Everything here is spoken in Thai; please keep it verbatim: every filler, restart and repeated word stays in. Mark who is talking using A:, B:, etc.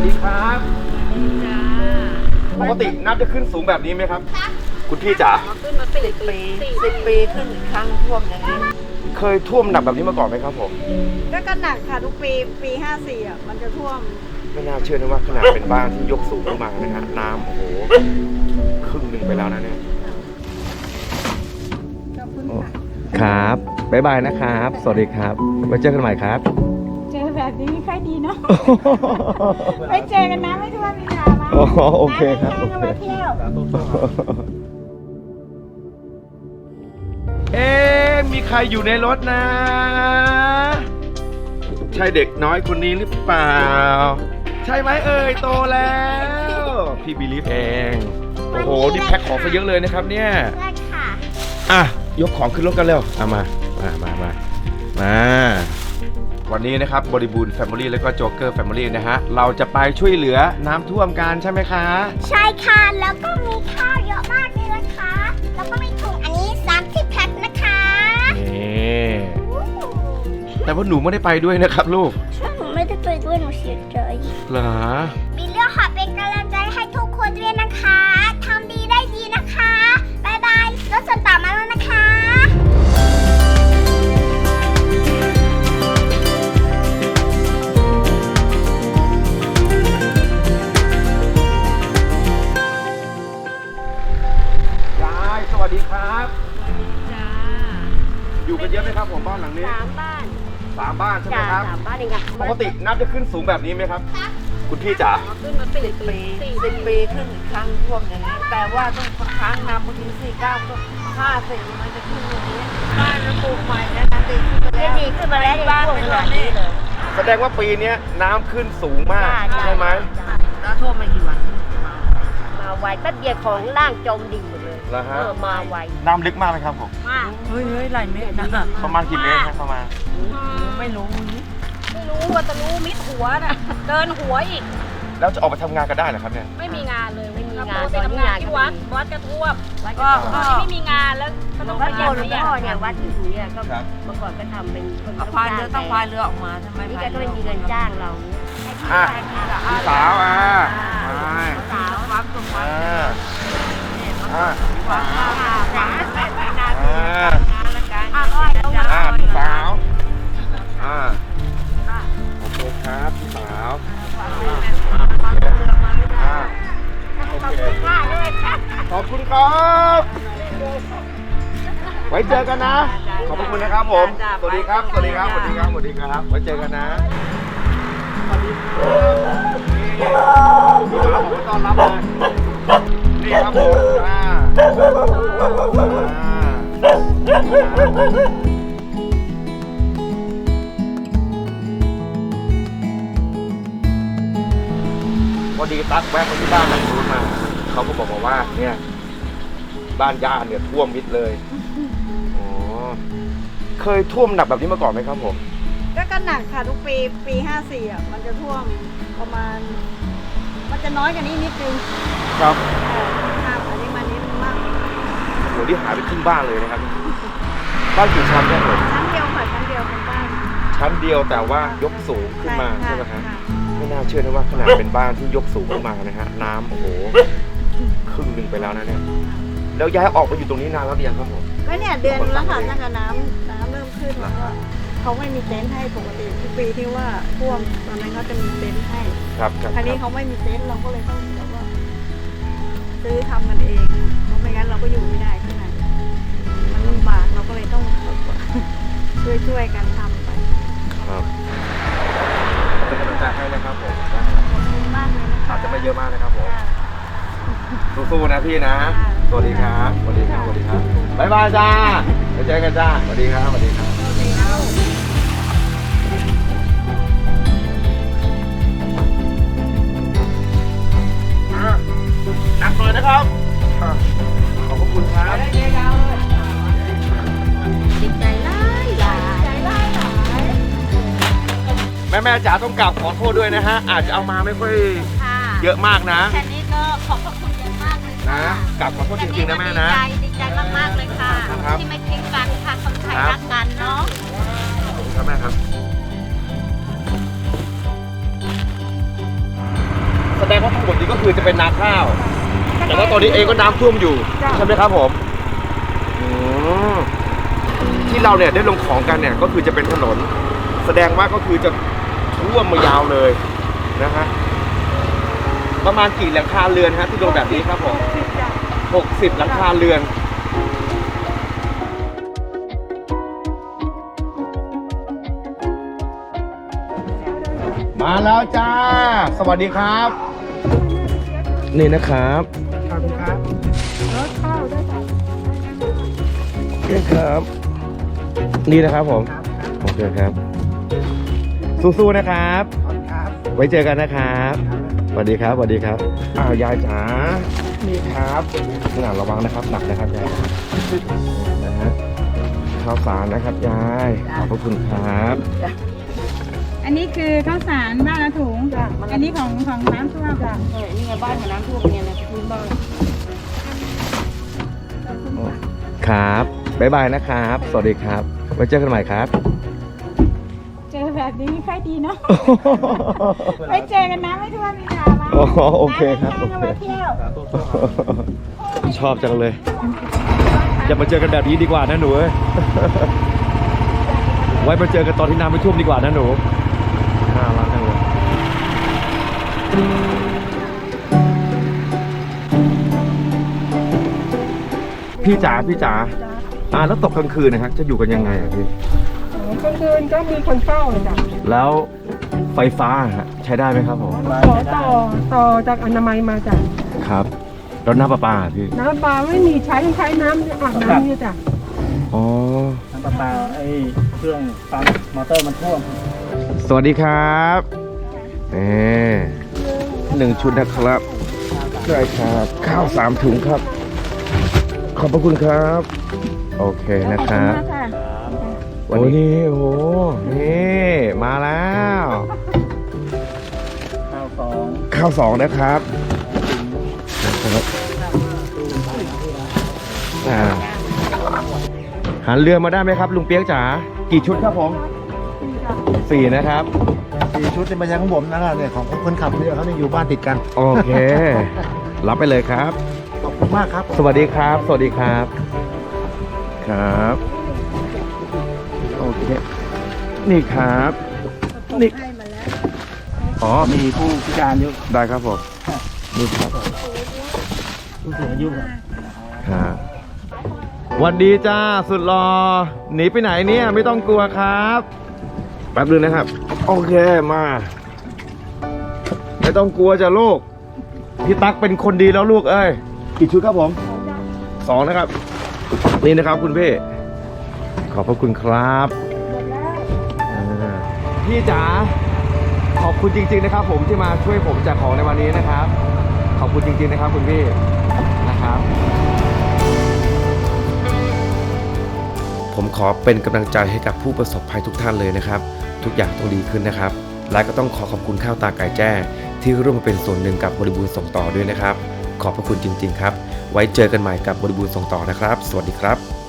A: ดีครับปกติน้ำจะขึ้นสูงแบบนี้ไหมครับคุณพี่จ๋า
B: ขึ้นมาสิบปีสิบปีขึ้นครั้งท่วมอย่างนี้
A: เคยท่วมหนักแบบนี้มาก่อนไหมครับผม
C: ก็ก็หนักค่ะทุกปีปีห้าสี่อ่ะมันจะท่วม
A: ไม่น่าเชื่อนะว่าขนาดเป็นบ้านที่ยกสูงขึ้นมานะฮะน้ำโอ้โหครึ่งหนึ่งไปแล้วนะเนี่ยครับบ๊ายบายนะครับสวัสดีครับไว้เจอกันใหม่ครับ
C: เจอแบบนี้ค่อยดีเนาะไปเจอกันนะไม่ท่วมมีนามา
A: อ๋อโอเคครับ
C: มาเที่ยว
A: เอ๊ะมีใครอยู่ในรถนะใช่เด็กน้อยคนนี้หรือเปล่าใช่ไหมเอ่ยโตแล้วพี่บิลีฟเองโอ้โหนี่แพ็คของซะเยอะเลยนะครับเนี่ย
C: ใช่ค่ะ
A: อ่ะยกของขึ้นรถกันเร็วเอามามามามามาวันนี้นะครับบริบูรณ์แฟมิลี่แล้วก็โจ๊กเกอร์แฟมิลี่นะฮะเราจะไปช่วยเหลือน้ำท่วมกันใช่ไหมคะ
C: ใช่ค่ะแล้วก็มีข้าวเยอะมากเลยนะคะแล้วก็มีถุงอันนี้สามสิบแพ็คนะคะ
A: นี่แต่ว่าหนูไม่ได้ไปด้วยนะครับลูก
C: ใช่หนูไม่ได้ไปด้วยหนูเสียใจ
A: เหรอ
C: มีเรื่องขอเป็นกำลังใจให้ทุกคนด้วยนะคะทำดีได้ดีนะคะบายบายรถส่วนต่อมาแล้วนะคะ
A: สวัสดีครับจ้าอยู่กันเยอะไหมครับผมบ้านหลังนี้
C: สามบ้าน
A: สามบ้านใช่ไหมครับ
C: สามบ้านเองค่ะ
A: ปกติน้ำจะขึ้นสูงแบบนี้ไหมครับคุณพี่จ๋า
B: ขึ้นมาสิบปีสิบปีขึ้นครั้งท่วมอย่างนี้แต่ว่าต้องครั้งน้ำบางทีสี่เก้าก็ห้าสี่มันจะขึ้นอย่างนี้บ้านปลูกใหม่นะดีขึ้นไปแล้ว
C: ดีขึ้นมาแล้ว
B: บ้านเป็นแบบนี้เลย
A: แสดงว่าปีนี้น้ำขึ้นสูงมากใช่ไหม
B: น้ำท่วมมากี่วัน
C: มาไวแป๊บเดียวของล่างจมดิ่งหมดเลย
A: แล้วฮะ
C: มาไว
A: น้ำลึกมากไหมครับผม
C: มาก
B: เฮ้ยเฮ้ยหลายเมตรนะ
A: ประมาณกี่เมตรครับประมาณ
B: ไม่รู้ไม่รู้ว่าจะรู้มิดหัวน่ะเดินหัวอีก
A: แล้วจะออกไปทำงานกันได้เหรอครับเนี่ย
B: ไม่มีงานเลย
C: ไม่มีงาน
B: ตอนนี้งานที่วัดวัดกระท่วมก็ไม่มีงานแล้วก็ต้องไปยัน
C: เนี่ยเนี่ยวัดที่อยู่เนี่ยก็เมื่อก่อนก็ทำเป็นคน
B: พายเรือต้องพายเรือออกมาทำไม
C: นี่แกก็ไม่มีเงินจ้างเรา
A: อ่ะพี่สาวอ่ะ
B: สาวความสุขอ่ะ
A: อ่ะพี่สาว
B: อ่ะไปนาน
A: อ่ะอ่ะพี่สาวอ่ะโอเคครับพี่สาวอ่ะโอเคขอบคุณครับไว้เจอกันนะขอบคุณนะครับผมสวัสดีครับสวัสดีครับสวัสดีครับสวัสดีครับไว้เจอกันนะสวัสดีครับนี่พี่สาวผมต้อนรับเลยนี่ครับผมอ่าพอดีตั๊กแวะไปที่บ้านหลังนู้นมาเขาก็บอกว่าเนี่ยบ้านย่าเนี่ยท่วมมิดเลยอ๋อเคยท่วมหนักแบบนี้มาก่อนไหมครับผม
C: ก็ก็หนักค่ะทุกปีปีห้าสี่อ่ะมันจะท่วมประมาณมันจะน้อยกว่านี้นิดนึง
A: ครับ
C: ห้าอันนี้มานิดมาก
A: โหที่หายไปครึ่งบ้านเลยนะครับบ้านกี่ชั้นเนี่ยผม
C: ชั้นเดียวค่ะชั้นเดียวเป็นบ้าน
A: ชั้นเดียวแต่ว่ายกสูงขึ้นมาใช่ไหมฮะไม่น่าเชื่อนะว่าขนาดเป็นบ้านที่ยกสูงขึ้นมานะฮะน้ำโอ้โหครึ่งหนึ่งไปแล้วนะเนี่ยแล้วย้ายออกไปอยู่ตรงนี้นานแล้วหรือยังครับผม
C: ก็เนี่ยเดือนแล้วค่ะตั้งแต่น้ำน้ำเริ่มขึ้นแล้วก็เขาไม่มีเต็นท์ให้ปกติทุกปีที่ว่าท่วมตอนนั้นเขาจะมีเต็นท์ให้
A: ครับครับ
C: คราวนี้เขาไม่มีเต็นท์เราก็เลยต้องแบบว่าซื้อทำกันเองเพราะไม่งั้นเราก็อยู่ไม่ได้ข้างในมันลำบากเราก็เลยต้องช่วยช่วยกันทำไป
A: ครับเป็นกำลังใจให้นะครับผม
C: ขอบคุณมากเลยนะคะ
A: อาจจะไม่เยอะมากนะครับผมสู้ๆนะพี่นะสวัสดีครับสวัสดีครับสวัสดีครับบ๊ายบายจ้าไปเจอกันจ้าสวัสดีครับสวัสดีครับหนักหน่อยนะครับขอบคุณครับ
C: ดีใจไล่หลายใจไล่หลาย
A: แม่แม่จ๋าต้องกราบขอโทษด้วยนะฮะอาจจะเอามาไม่ค่อยเยอะมากนะ
C: แค่นี้ก็ขอบพระคุณเยอะมากเลย
A: นะกราบขอโทษจริงๆนะแม่นะ
C: ดีใจดีใจมากๆเลยค่ะที่ไม่ทิ้งกันค่ะคนไทยรักกันเนาะ
A: ขอบคุณครับแม่ครับคือจะเป็นนาข้าว แต่ว่าตอนนี้เองก็น้ำท่วมอยู่ใช่ไหมครับผมอืมที่เราเนี่ยได้ลงของกันเนี่ยก็คือจะเป็นถนน แสดงว่าก็คือจะท่วมมายาวเลยนะฮะประมาณกี่หลังคาเรือนฮะที่ลงแบบนี้ครับผมหกสิบหลังคาเรือนมาแล้วจ้าสวัสดีครับ นี่นะครับขอบคุณครับรถข้าวด้วยจ้ะนี่ครับนี่นะครับผมโอเคครับสู้ๆนะครับไว้เจอกันนะครับสวัสดีครับสวัสดีครับอ้าวยายจ๋านี่ครับหนาระวังนะครับหนักนะครับยายนะฮะข้าวสารนะครับยายขอบพระคุณครับ
C: อันนี้คือข้าวสารบ้านละถุง อันนี้ของของน้ำท่วม
B: จ้ะเออนี่ไงบ้านของน้ำท่วมเนี่ยนะพื้นบ้าน
A: ครับบ๊ายบายนะครับ สวัสดีครับไว้เจอกันใหม่ครับ
C: เจอแบบนี้ไม่ค่อยดีเนาะ ไปเจอกันนะไม่ท่วมมีนามา
A: อ๋อโอเคครับ
C: น้ำมาเที่ยว
A: ชอบจังเลย อย่ามาเจอกันแบบนี้ดีกว่านะหนูเอ้ย ไว้มาเจอกันตอนที่น้ำไม่ท่วมดีกว่านะหนูน่ารักจังเลยพี่จ๋าพี่จ๋าอ่าแล้วตกกลางคืนนะครับจะอยู่กันยังไงอะพี่
D: กลางคืนก็มีคนเฝ้าเลยจ้ะ
A: แล้วไฟฟ้าฮะใช้ได้ไหมครับผม
D: ขอต่อต่อจากอนามัยมาจ้ะ
A: ครับแล้วน้ำประปาอะพี่
D: น้ำปลาไม่มีใช้ใช้น้ำอาบน้ำเนี่ยจ้ะ
A: อ๋อ
E: น้ำประปาไอ้เครื่องปั๊มมอเตอร์มันท่วม
A: สวัสดีครับนี่หนึ่งชุดนะครับได้ครับข้าวสามถุงครับ ขอบพระคุณครับ โอเคนะครับ
C: ขอบคุณมากค่ะ
A: โอ้นี่โอ้โหนี่มาแล้ว
E: ข้าวสอง
A: ข้าวสองนะครับอ่าหันเรือมาได้ไหมครับ ลุงเปียกจ๋ากี่ชุดครับผมสี่นะครับ
E: สี่ชุดเป็นมายังของผมนะเนี่ยของคนขับเรือเขาเนี่ยอยู่บ้านติดกัน
A: โอเค รับไปเลยครับ
E: ขอบคุณมากครับ
A: สวัสดีครับ สวัสดีครับ ครับ โอเค นี่ครับ นี่ อ๋อ
E: มีผู้พิการอยู่
A: ได้ครับผม นี่ครับ
E: ผู้สูงอายุครับ
A: ครับวันดีจ้า สุดรอ หนีไปไหนเนี่ย ไม่ต้องกลัวครับ แป๊บนึงนะครับ โอเค มา ไม่ต้องกลัวจ้ะลูก พี่ตั๊กเป็นคนดีแล้วลูกเอ้ย กี่ชุดครับผม สองนะครับ นี่นะครับคุณพี่ ขอบพระคุณครับอ่าพี่จ๋า ขอบคุณจริงๆนะครับ ผมที่มาช่วยผมแจกของในวันนี้นะครับ ขอบคุณจริงๆนะครับคุณพี่ นะครับ ผมขอเป็นกำลังใจให้กับผู้ประสบภัยทุกท่านเลยนะครับ ทุกอย่างต้องดีขึ้นนะครับ และก็ต้องขอขอบคุณข้าวตาไก่แจ้ที่ร่วมมาเป็นส่วนหนึ่งกับบริบูรณ์ส่งต่อด้วยนะครับ ขอบพระคุณจริงๆครับ ไว้เจอกันใหม่กับบริบูรณ์ส่งต่อนะครับ สวัสดีครับ